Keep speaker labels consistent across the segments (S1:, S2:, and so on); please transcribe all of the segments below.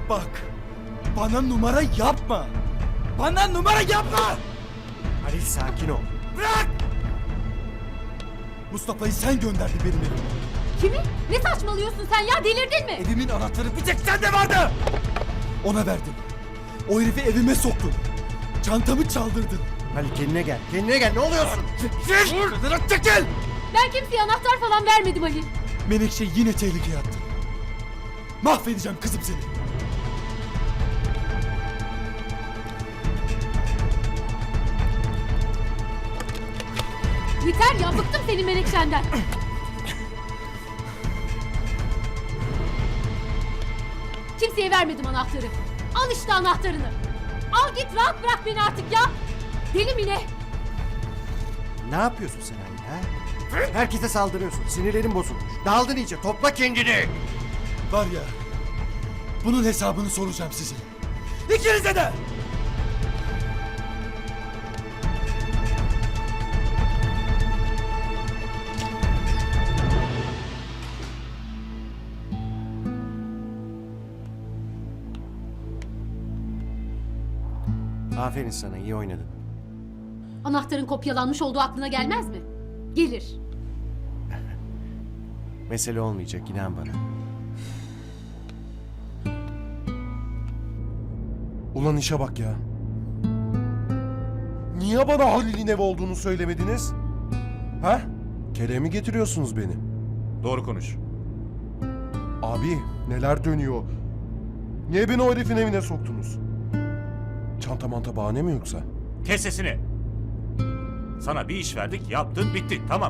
S1: Bak, bana numara yapma. Bana numara yapma!
S2: Halil sakin ol.
S1: Bırak! Mustafa'yı sen gönderdin benim evime.
S3: Kimi? Ne saçmalıyorsun sen ya, delirdin mi?
S1: Evimin anahtarı bir tek sende vardı! Ona verdin. O herifi evime soktun. Çantamı çaldırdın.
S2: Halil kendine gel. Kendine gel. Ne oluyorsun?
S1: Çekil! Çekil!
S3: Ben kimseye anahtar falan vermedim Ali.
S1: Menekşe yine tehlikeye attın. Mahvedeceğim kızım seni.
S3: Yeter ya, bıktım senin Menekşe'nden. Kimseye vermedim anahtarı. Al işte anahtarını. Al git, rahat bırak beni artık ya. Deli mi ne?
S2: Ne yapıyorsun sen Halil ha? Herkese saldırıyorsun. Sinirlerin bozulmuş. Daldın iyice. Topla kendini.
S1: Var ya, bunun hesabını soracağım size. İkinize de!
S2: Aferin sana. İyi oynadın.
S3: Anahtarın kopyalanmış olduğu aklına gelmez mi? Gelir.
S2: Mesele olmayacak. İnan bana.
S4: Ulan işe bak ya. Niye bana Halil'in evi olduğunu söylemediniz? Ha? Kerem'i getiriyorsunuz beni.
S5: Doğru konuş.
S4: Abi neler dönüyor? Niye beni o herifin evine soktunuz? Çanta manta bahane mi yoksa?
S5: Kes sesini. Sana bir iş verdik, yaptın, bitti. Tamam.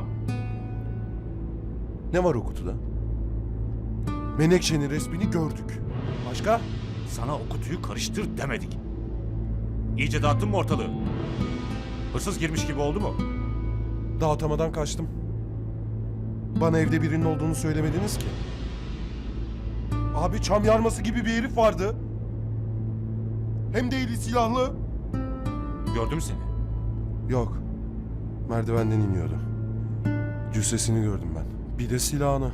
S4: Ne var o kutuda? Menekşe'nin resmini gördük. Başka?
S5: Sana o kutuyu karıştır demedik. İyice dağıttın mı ortalığı? Hırsız girmiş gibi oldu mu?
S4: Dağıtamadan kaçtım. Bana evde birinin olduğunu söylemediniz ki. Abi çam yarması gibi bir herif vardı. Hem de eli silahlı.
S5: Gördüm seni.
S4: Yok. Merdivenden iniyordu. Cüssesini gördüm ben. Bir de silahını.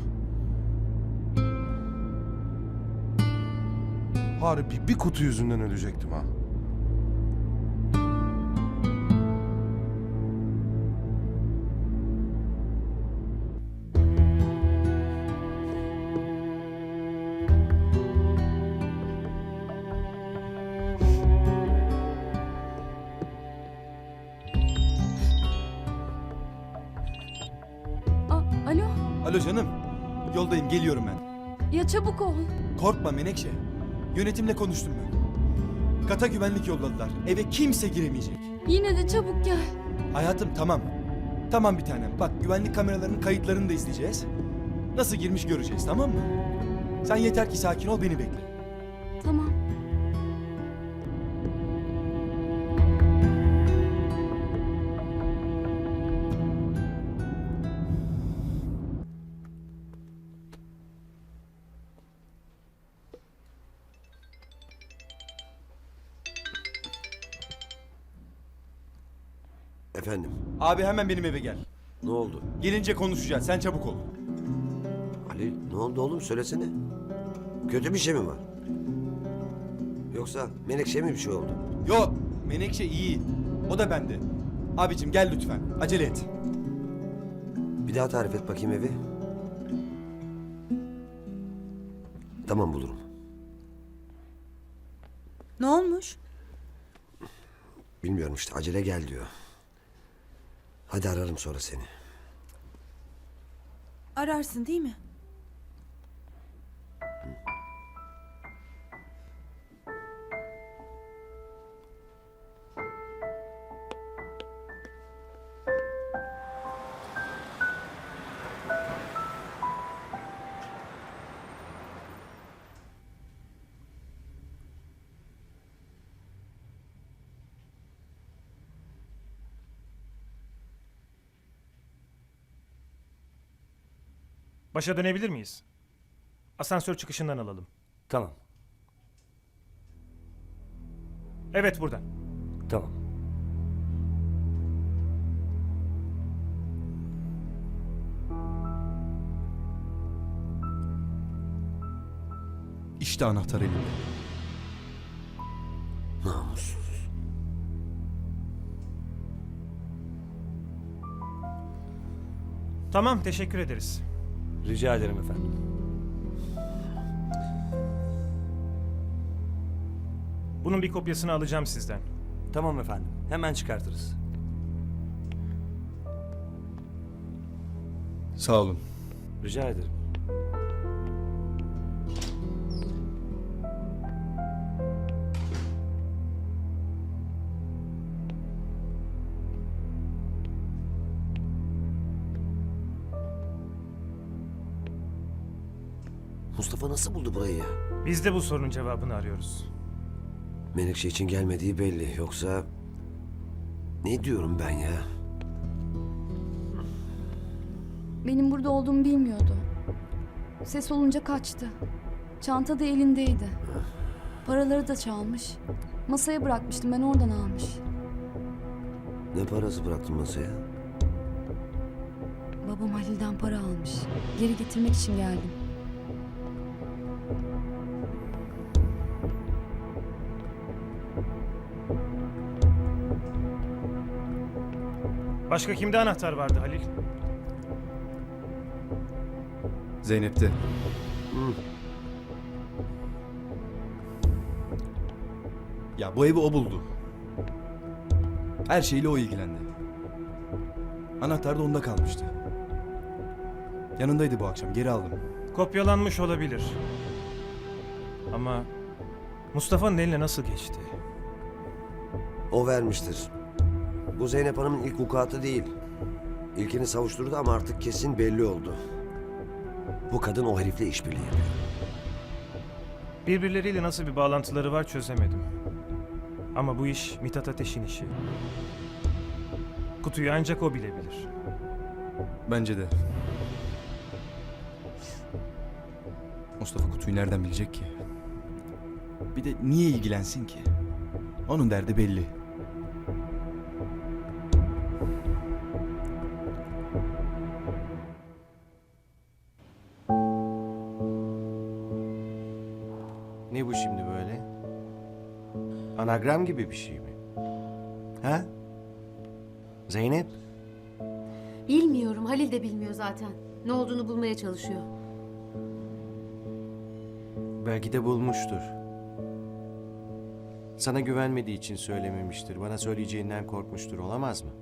S4: Harbi bir kutu yüzünden ölecektim ha.
S3: Alo?
S1: Alo canım. Yoldayım, geliyorum ben.
S3: Ya çabuk ol.
S1: Korkma Menekşe. Yönetimle konuştum ben. Kata güvenlik yolladılar. Eve kimse giremeyecek.
S3: Yine de çabuk gel.
S1: Hayatım tamam. Tamam bir tanem. Bak güvenlik kameralarının kayıtlarını da izleyeceğiz. Nasıl girmiş göreceğiz, tamam mı? Sen yeter ki sakin ol, beni bekle.
S3: Tamam.
S6: Efendim,
S1: Abi hemen benim eve gel.
S6: ne oldu?
S1: Gelince konuşacağız. Sen çabuk ol.
S6: Ali, ne oldu oğlum? Söylesene. Kötü bir şey mi var? Yoksa Menekşe mi bir şey oldu?
S1: Yok. Menekşe iyi. O da bende. Abicim gel lütfen. Acele et.
S6: Bir daha tarif et bakayım evi. Tamam, bulurum.
S7: Ne olmuş?
S6: Bilmiyorum işte, acele gel diyor. Hadi ararım sonra seni.
S7: Ararsın değil mi?
S8: Başa dönebilir miyiz? Asansör çıkışından alalım.
S9: Tamam,
S8: Evet, buradan.
S9: tamam.
S1: İşte anahtar elimde.
S6: Namussuz.
S8: Tamam, teşekkür ederiz.
S5: Rica ederim efendim.
S8: Bunun bir kopyasını alacağım sizden.
S9: Tamam efendim. Hemen çıkartırız.
S1: Sağ olun.
S9: Rica ederim.
S6: Mustafa nasıl buldu burayı ya?
S8: Biz de bu sorunun cevabını arıyoruz.
S6: Menekşe için gelmediği belli. Yoksa... Ne diyorum ben ya?
S10: Benim burada olduğumu bilmiyordu. Ses olunca kaçtı. Çanta da elindeydi. Paraları da çalmış. Masaya bırakmıştım, ben oradan almış.
S6: Ne parası bıraktın masaya?
S10: Babam Halil'den para almış. Geri getirmek için geldim.
S8: Başka kimde anahtar vardı Halil?
S1: Zeynep'te. Ya bu evi o buldu. Her şeyle o ilgilendi. Anahtar da onda kalmıştı. Yanındaydı bu akşam, geri aldım.
S8: Kopyalanmış olabilir. Ama Mustafa'nın eline nasıl geçti?
S6: O vermiştir. Bu Zeynep Hanım'ın ilk vukuatı değil. İlkini savuşturdu ama artık kesin belli oldu. Bu kadın o herifle işbirliği yapıyor.
S8: Birbirleriyle nasıl bir bağlantıları var çözemedim. Ama bu iş Mithat Ateş'in işi. Kutuyu ancak o bilebilir.
S1: Bence de. Mustafa kutuyu nereden bilecek ki? Bir de niye ilgilensin ki? Onun derdi belli.
S2: Ne bu şimdi böyle? Anagram gibi bir şey mi? Ha? Zeynep?
S3: Bilmiyorum, Halil de bilmiyor zaten. Ne olduğunu bulmaya çalışıyor.
S2: Belki de bulmuştur. Sana güvenmediği için söylememiştir. Bana söyleyeceğinden korkmuştur. Olamaz mı?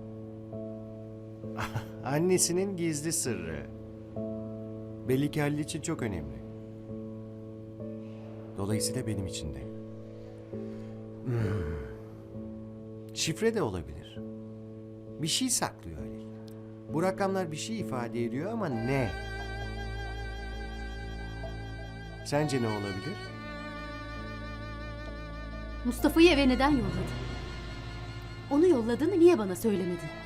S2: Annesinin gizli sırrı. Belli ki Halil için çok önemli. Dolayısıyla benim için de. Şifre de olabilir. Bir şey saklıyor Halil. Bu rakamlar bir şey ifade ediyor ama ne? Sence ne olabilir?
S3: Mustafa'yı eve neden yolladın? Onu yolladığını niye bana söylemedin?